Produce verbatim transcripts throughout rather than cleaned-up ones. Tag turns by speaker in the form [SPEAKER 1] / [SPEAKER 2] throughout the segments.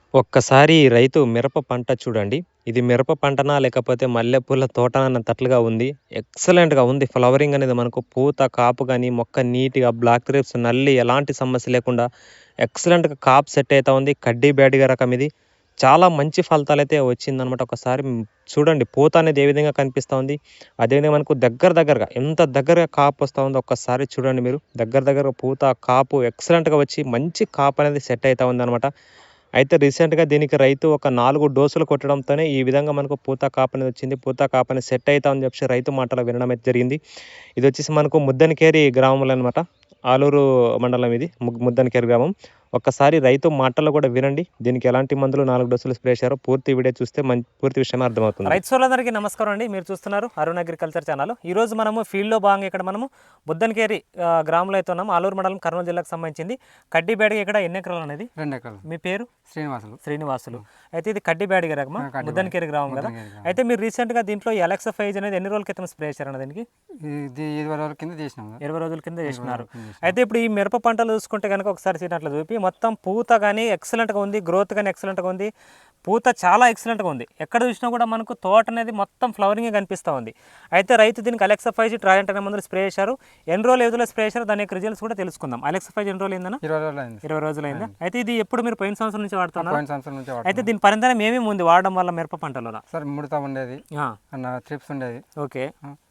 [SPEAKER 1] ఒక్కసారి రైతు మిరప పంట చూడండి. ఇది మిరప పంటనా? లేకపోతే మల్లెపూల తోటనా అన్నట్టలుగా ఉంది. ఎక్సలెంట్‌గా ఉంది. ఫ్లవరింగ్ అనేది మనకు పూత, కాపు గాని, మొక్క నీట్‌గా బ్లాక్ గ్రేప్స్ నల్లి ఎలాంటి సమస్య లేకుండా ఎక్సలెంట్‌గా కాపు సెట్ అయితా ఉంది. కడ్డీ బ్యాడిగ రకం ఇది. చాలా మంచి ఫలితాలైతే వచ్చిందనమాట. ఒకసారి హ్మ్, చూడండి పూత అనేది ఏ విధంగా కనిపిస్తా ఉంది. అదేవిధంగా మనకు దగ్గర దగ్గరగా ఎంత దగ్గరగా కాపు వస్తా ఉందో ఒక్కసారి చూడండి మీరు. దగ్గర దగ్గరగా పూత, కాపు ఎక్సలెంట్‌గా వచ్చి మంచి కాపు అనేది సెట్ అయితా ఉందనమాట. అయితే రీసెంట్‌గా దీనికి రైతు ఒక నాలుగు డోసులు కొట్టడంతోనే ఈ విధంగా మనకు పూత, కాపనేది వచ్చింది. పూత, కాపని సెట్ అయితా అని చెప్పేసి రైతు మాటలో వినడం అయితే జరిగింది. ఇదొచ్చేసి మనకు ముద్దనకేరి గ్రామంలో అనమాట. ఆలూరు మండలం ఇది. ముగ్ ముద్దనకేరి గ్రామం. ఒక్కసారి రైతు మాటల్లో కూడా వినండి. దీనికి ఎలాంటి మందులు నాలుగు డోసులు స్ప్రే చేశారో పూర్తి వీడియో చూస్తే మం పూర్తి విషయం అర్థమవుతుంది.
[SPEAKER 2] రైతు సోదరులందరికీ నమస్కారం అండి. మీరు చూస్తున్నారు అరుణ్ అగ్రికల్చర్ ఛానల్. ఈరోజు మనము ఫీల్డ్లో భాగంగా ఇక్కడ మనము ముద్దనకేరి ఆహ్, గ్రామంలో అయితే ఉన్నాము. ఆలూరు మండలం కర్నూలు జిల్లాకు సంబంధించింది. కడ్డీ బ్యాడిగ ఇక్కడ ఎన్ని ఎకరాలు అనేది?
[SPEAKER 3] రెండు ఎకరాలు.
[SPEAKER 2] మీ పేరు?
[SPEAKER 3] శ్రీనివాసులు.
[SPEAKER 2] శ్రీనివాసులు. అయితే ఇది కడ్డీ బ్యాడిగ రకమా?
[SPEAKER 3] ఆ, కడ్డీ
[SPEAKER 2] ముద్దనకేరి గ్రామం కదా.
[SPEAKER 3] ముద్దనకేరి గ్రామం.
[SPEAKER 2] అయితే మీరు రీసెంట్గా దీంట్లో ఈ అలెక్సా ఫైజ్ అనేది ఎన్ని రోజుల క్రితం స్ప్రే చేశారన్న దీనికి?
[SPEAKER 3] ఇది ఇరవై రోజుల కింద చేసినాం కదా.
[SPEAKER 2] ఇరవై రోజుల కింద చేసినారు.
[SPEAKER 3] కింద చేసినాం.
[SPEAKER 2] అయితే ఇప్పుడు ఈ మిరప పంటలు చూసుకుంటే కనుక ఒకసారి సీనట్లు చూపి మొత్తం పూత కానీ ఎక్సలెంట్గా ఉంది, గ్రోత్ కానీ ఎక్సలెంట్గా ఉంది, పూత చాలా ఎక్సలెంట్గా ఉంది. ఎక్కడ చూసినా కూడా మనకు తోట అనేది మొత్తం ఫ్లవరింగ్ కనిపిస్తూ ఉంది. అయితే రైతు దీనికి అలెక్సా ఫైజ్ ట్రాజెంట్ అనే మందులు స్ప్రే చేశారు. ఎన్ని రోజులు ఏదో స్ప్రే చేశారు, దాని యొక్క రిజల్ట్స్ కూడా తెలుసుకుందాం. అలెక్సా ఫైజ్ ఎన్ని రోజులు అయిందన్న?
[SPEAKER 3] ఇరవై రోజులు అయింది.
[SPEAKER 2] ఇరవై రోజులు అయిందా? అయితే ఇది ఎప్పుడు మీరు పోయిన సంవత్సరం నుంచి వాడుతున్నారు?
[SPEAKER 3] పోయిన సంవత్సరం నుంచి
[SPEAKER 2] అయితే
[SPEAKER 3] వాడుతున్నాం.
[SPEAKER 2] దీని పరిణామం ఏమేమి ఉంది వాడడం వల్ల మిరప పంటలో?
[SPEAKER 3] సార్ ముడత ఉండేది, అన్న ట్రిప్స్ ఉండేది.
[SPEAKER 2] ఓకే,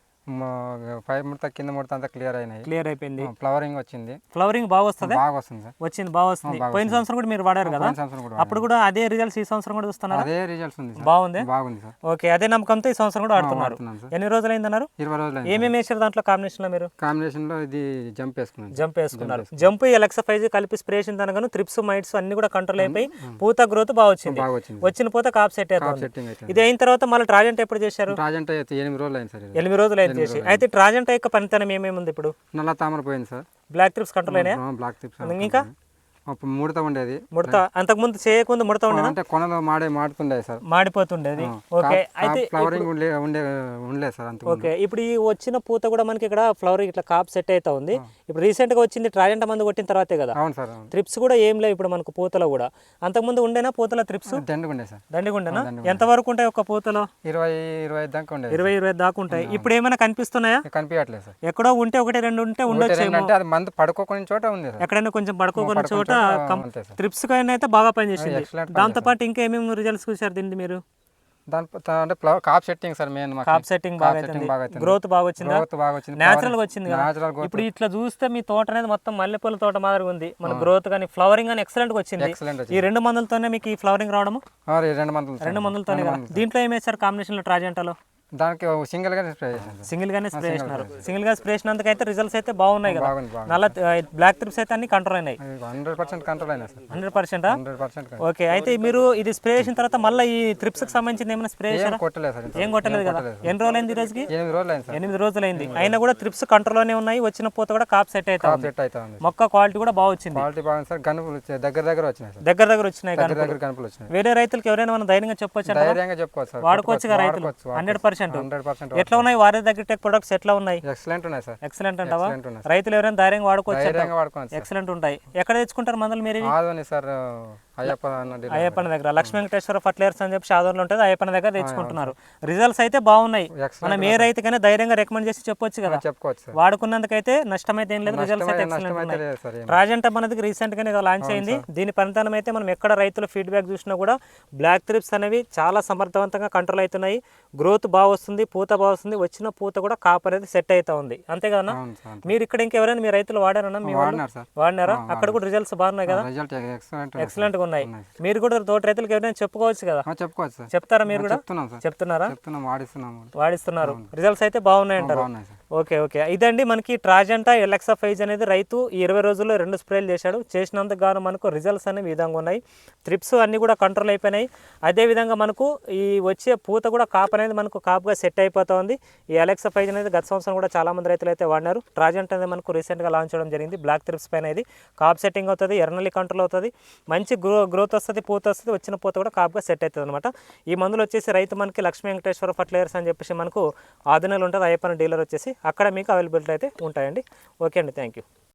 [SPEAKER 3] మా పై ముడత కింద ముడత అంతా క్లియర్ అయినాయి.
[SPEAKER 2] క్లియర్ అయిపోయింది.
[SPEAKER 3] ఫ్లవరింగ్ వచ్చింది.
[SPEAKER 2] ఫ్లవరింగ్ బాగా వస్తుంది.
[SPEAKER 3] బాగా వస్తుంది సార్.
[SPEAKER 2] వచ్చింది బాగా వస్తుంది.
[SPEAKER 3] బాగా
[SPEAKER 2] పోయిన సంవత్సరం కూడా మీరు వాడారు కదా,
[SPEAKER 3] పోయిన సంవత్సరం కూడా
[SPEAKER 2] అప్పుడు కూడా అదే రిజల్ట్స్ ఈ సంవత్సరం కూడా చూస్తున్నారు.
[SPEAKER 3] అదే రిజల్ట్స్ ఉంది సార్.
[SPEAKER 2] బాగుంది.
[SPEAKER 3] బాగుంది సార్.
[SPEAKER 2] ఓకే, అదే నమ్మకంతో ఈ సంవత్సరం కూడా ఆడుతున్నారు.
[SPEAKER 3] వాడుతున్నాం సార్.
[SPEAKER 2] ఎన్ని రోజులు అయిందన్నారు?
[SPEAKER 3] ఇరవై రోజులు అయింది.
[SPEAKER 2] ఏమేమి వేసారు దాంట్లో కాంబినేషన్ లో మీరు?
[SPEAKER 3] కాంబినేషన్ లో ఇది జంప్ వేసుకున్నాను.
[SPEAKER 2] జంప్ వేసుకున్నారు. జంప్ ఎలక్సా ఫైజ్ కలిపి స్ప్రే చేసిన దానికను త్రిప్స్ మైట్స్ అన్ని కూడా కంట్రోల్ అయిపోయి పూత గ్రోత్ బాగా వచ్చింది.
[SPEAKER 3] బాగా వచ్చింది.
[SPEAKER 2] వచ్చిన పూత కాప్ సెట్ అవుతుంది.
[SPEAKER 3] సెట్టింగ్ అయితే
[SPEAKER 2] ఇది అయిన తర్వాత మళ్ళీ ట్రాజెంట్ ఎప్పుడు చేశారు?
[SPEAKER 3] ట్రాజెంట్ అయితే ఎనిమిది రోజులు అయింది సార్. ఇది.
[SPEAKER 2] ఎనిమిది రోజులు అయితే చేసి. అయితే ట్రాజెంట్ యొక్క పనితనం ఏమేమి ఉంది ఇప్పుడు?
[SPEAKER 3] నల్ల తామర పోయింది సార్.
[SPEAKER 2] బ్లాక్ త్రిప్స్ కంట్రోల్ అయినాయా?
[SPEAKER 3] బ్లాక్ టిప్స్
[SPEAKER 2] ఇంకా
[SPEAKER 3] అప్పుడు ముడత ఉండేది.
[SPEAKER 2] ముడత అంతకుముందు చేయకముందు ముడత ఉండేదా?
[SPEAKER 3] అంటే కొనలో మాడే మాడుతుండే సార్.
[SPEAKER 2] మాడిపోతుండేది. ఓకే, అయితే
[SPEAKER 3] ఫ్లవరింగ్ ఉండే ఉండే ఉండలేదు సార్ అంత.
[SPEAKER 2] ఓకే, ఇప్పుడు ఈ వచ్చిన పూత కూడా మనకి ఇక్కడ ఫ్లవర్ ఇట్లా కాప్ సెట్ అవుతా ఉంది. ఇప్పుడు రీసెంట్ గా వచ్చింది ట్రాజెంట్ మందు కొట్టిన తర్వాతే కదా.
[SPEAKER 3] అవును సార్. అవును.
[SPEAKER 2] త్రిప్స్ కూడా ఏం లేవు ఇప్పుడు మనకు పూతలో కూడా. అంతకుముందు ఉండేనా పూతల త్రిప్స్?
[SPEAKER 3] దండగా ఉండే సార్.
[SPEAKER 2] దండిగా ఉండేనా? ఎంత వరకు ఉంటాయి ఒక పూతలో?
[SPEAKER 3] ఇరవై ఇరవై ఐదు దాకా ఉండేది.
[SPEAKER 2] ఇరవై ఇరవై దాకా ఉంటాయి. ఇప్పుడు ఏమైనా కనిపిస్తున్నాయా?
[SPEAKER 3] కనిపించట్లేదు సార్.
[SPEAKER 2] ఎక్కడో ఉంటే ఒకటి రెండు ఉంటే ఉండొచ్చు.
[SPEAKER 3] అంటే అది మందు పడుకోకునే చోట ఉంది సార్.
[SPEAKER 2] ఎక్కడైనా కొంచెం పడుకోకున్న చోట
[SPEAKER 3] అంతే సార్.
[SPEAKER 2] త్రిప్స్ కైనా అయితే బాగా పనిచేసింది.
[SPEAKER 3] ఎక్సలెంట్.
[SPEAKER 2] దాంతో పాటు ఇంకా ఏమేమి రిజల్ట్స్ చూసారు దీన్ని మీరు?
[SPEAKER 3] దాని అంటే ఫ్లవర్ కాప్ సెట్టింగ్ సార్ మెయిన్.
[SPEAKER 2] కాప్ సెట్టింగ్ బాగా అవుతుంది. గ్రోత్ బాగా వచ్చింది.
[SPEAKER 3] గ్రోత్ బాగా వచ్చింది.
[SPEAKER 2] నేచురల్ గా వచ్చింది కదా.
[SPEAKER 3] Natural growth.
[SPEAKER 2] ఇప్పుడు ఇట్లా చూస్తే మీ తోట అనేది మొత్తం మల్లెపూల తోట మాదిరిగా ఉంది. మన గ్రోత్ కానీ ఫ్లవరింగ్ కానీ ఎక్సలెంట్ గా వచ్చింది.
[SPEAKER 3] ఎక్సలెంట్
[SPEAKER 2] ఈ
[SPEAKER 3] వచ్చింది.
[SPEAKER 2] రెండు మందులతోనే మీకు ఈ ఫ్లవరింగ్ రావడము?
[SPEAKER 3] ఆ, ఈ రెండు మందులు
[SPEAKER 2] రెండు మందులతోనే కదా. దీంట్లో ఏం వేశారు కాంబినేషన్ లో ట్రాజెంటాలో?
[SPEAKER 3] దానికి సింగిల్ గానే స్ప్రే చేశాను సార్.
[SPEAKER 2] సింగిల్ గానే స్ప్రే చేసినారు. సింగిల్ గా స్ప్రే చేసినందుకు అయితే రిజల్ట్స్ అయితే బాగున్నాయి కదా.
[SPEAKER 3] బాగుంది బాగుంది.
[SPEAKER 2] నల్ల బ్లాక్ త్రిప్స్ అయితే అన్ని కంట్రోల్ అయినాయి.
[SPEAKER 3] హండ్రెడ్ పర్సెంట్ కంట్రోల్ అయినా సార్.
[SPEAKER 2] హండ్రెడ్ పర్సెంటా?
[SPEAKER 3] హండ్రెడ్ పర్సెంట్
[SPEAKER 2] ఓకే, అయితే మీరు ఇది స్ప్రే చేసిన తర్వాత మళ్ళీ ఈ త్రిప్స్ కి సంబంధించిన ఏమైనా స్ప్రే చేశారా?
[SPEAKER 3] కొట్టలేదు సార్.
[SPEAKER 2] ఏం కొట్టలేదు కదా. ఎన్ని రోజులు అయింది ఈ రోజుకి?
[SPEAKER 3] ఎనిమిది రోజులు అయింది సార్.
[SPEAKER 2] ఎనిమిది రోజులు అయింది. అయినా కూడా త్రిప్స్ కంట్రోల్ లోనే ఉన్నాయి. వచ్చిన పూత కూడా కాప్ సెట్ అవుతా
[SPEAKER 3] కాప్
[SPEAKER 2] ఉంది.
[SPEAKER 3] సెట్ అవుతా ఉంది.
[SPEAKER 2] మొక్క క్వాలిటీ కూడా బాగా వచ్చింది.
[SPEAKER 3] క్వాలిటీ బాగుంది సార్. గనుపులు వచ్చాయి. దగ్గర దగ్గర వచ్చినాయి సార్.
[SPEAKER 2] దగ్గర దగ్గర వచ్చినాయి
[SPEAKER 3] దగ్గర
[SPEAKER 2] కనుక
[SPEAKER 3] దగ్గర గనుపులు వచ్చినాయి.
[SPEAKER 2] వేరే రైతులకు ఎవరైనా మనం ధైర్యంగా చెప్పొచ్చు,
[SPEAKER 3] ధైర్యంగా చెప్పుకోవచ్చు సార్.
[SPEAKER 2] వాడుకోవచ్చు కదా రైతులు.
[SPEAKER 3] వాడుకోవచ్చు.
[SPEAKER 2] Hundred percent.
[SPEAKER 3] హండ్రెడ్ పర్సెంట్
[SPEAKER 2] ఎట్లా ఉన్నాయి వారి దగ్గర టెక్ ప్రొడక్ట్స్ ఎట్లా ఉన్నాయి?
[SPEAKER 3] ఎక్సలెంట్ ఉన్నాయి సార్.
[SPEAKER 2] ఎక్సలెంట్ అంటావా?
[SPEAKER 3] ఎక్సలెంట్ ఉన్నాయి సార్.
[SPEAKER 2] రైతులు ఎవరైనా ధైర్యంగా వాడుకోవచ్చు.
[SPEAKER 3] ధైర్యంగా వాడుకోవచ్చు సార్.
[SPEAKER 2] ఎక్సలెంట్ ఉంటాయి. ఎక్కడ తెచ్చుకుంటారు మందులు మీరు? ఇవి
[SPEAKER 3] ఆదోని సార్. అయ్యప్ప అన్న డీలర్.
[SPEAKER 2] అయ్యప్పన దగ్గర లక్ష్మీ వెంకటేశ్వర ఫర్టిలైజర్స్ అని చెప్పి ఆదోన్లో ఉంటుంది. అయ్యప్పన దగ్గర తెచ్చుకుంటున్నారు. రిజల్ట్స్ అయితే బాగున్నాయి.
[SPEAKER 3] ఎక్సలెంట్
[SPEAKER 2] మనం ఏ రైతుకైనా ధైర్యంగా రికమెండ్ చేసి చెప్పొచ్చు కదా.
[SPEAKER 3] చెప్పుకోవచ్చు సార్.
[SPEAKER 2] వాడుకున్నందుకైతే నష్టం అయితే ఏం లేదు. రిజల్ట్స్ అయితే ఎక్సలెంట్
[SPEAKER 3] నష్టమైతే
[SPEAKER 2] ఉన్నాయి.
[SPEAKER 3] లేదు సార్. ఏం.
[SPEAKER 2] ట్రాజెంట్ మనది రీసెంట్ గానే లాంచ్ అయింది. దీని పనితనం అయితే మనం ఎక్కడ రైతుల ఫీడ్బ్యాక్ చూసినా కూడా బ్లాక్ త్రిప్స్ అనేవి చాలా సమర్థవంతంగా కంట్రోల్ అవుతున్నాయి. గ్రోత్ బాగా వస్తుంది, పూత బాగా వస్తుంది. వచ్చిన పూత కూడా కాపు అనేది సెట్ అవుతా ఉంది. అంతే కదా.
[SPEAKER 3] అవును సార్.
[SPEAKER 2] మీరు ఇక్కడ ఇంకెవరైనా మీ రైతులు వాడారన్నా? మీ వాళ్ళు
[SPEAKER 3] వాడినారు సార్.
[SPEAKER 2] వాడినారా? అక్కడ కూడా రిజల్ట్స్ బాగున్నాయి కదా.
[SPEAKER 3] రిజల్ట్ ఎక్సలెంట్
[SPEAKER 2] ఎక్సలెంట్ గా ఉన్నాయి. మీరు కూడా తోట రైతులకు ఎవరైనా చెప్పుకోవచ్చు కదా.
[SPEAKER 3] ఆ, చెప్పుకోవచ్చు సార్.
[SPEAKER 2] చెప్తారా మీరు కూడా?
[SPEAKER 3] చెప్తున్నాం సార్.
[SPEAKER 2] చెప్తున్నారా?
[SPEAKER 3] చెప్తున్నాం, వాడిస్తున్నాం.
[SPEAKER 2] వాడిస్తున్నారు. రిజల్ట్స్ అయితే బాగున్నాయి అంటారు.
[SPEAKER 3] బాగున్నాయి సార్.
[SPEAKER 2] ఓకే ఓకే, ఇదండి మనకి ట్రాజెంటా ఎలక్సా ఫైజ్ అనేది రైతు ఈ ఇరవై రోజుల్లో రెండు స్ప్రేలు చేశాడు. చేసినందుకు గాను మనకు రిజల్ట్స్ అనేవి ఈ విధంగా ఉన్నాయి. త్రిప్స్ అన్ని కూడా కంట్రోల్ అయిపోయినాయి. అదేవిధంగా మనకు ఈ వచ్చే పూత కూడా కాపు అనేది మనకు కాపుగా సెట్ అయిపోతా ఉంది. ఈ ఎలక్సా ఫైజ్ అనేది గత సంవత్సరం కూడా చాలా మంది రైతులు అయితే వాడినారు. ట్రాజెంట్ అనేది మనకు రీసెంట్గా లాంచ్ చేయడం జరిగింది. బ్లాక్ త్రిప్స్ పైన ఇది కాప్ సెట్టింగ్ అవుతుంది, ఎర్నల్లి కంట్రోల్ అవుతుంది, మంచి గ్రో గ్రోత్ వస్తుంది, పూత వస్తుంది. వచ్చిన పూత కూడా కాపుగా సెట్ అవుతుంది అనమాట. ఈ మందులు వచ్చేసి రైతు మనకి లక్ష్మీ వెంకటేశ్వర ఫర్టిలైజర్స్ అని చెప్పేసి మనకు ఆదినలు ఉంటుంది. అయ్యప్పన డీలర్ వచ్చేసి అక్కడ మీకు అవైలబిలిటీ అయితే ఉంటాయండి. ఓకే అండి, థ్యాంక్ యూ.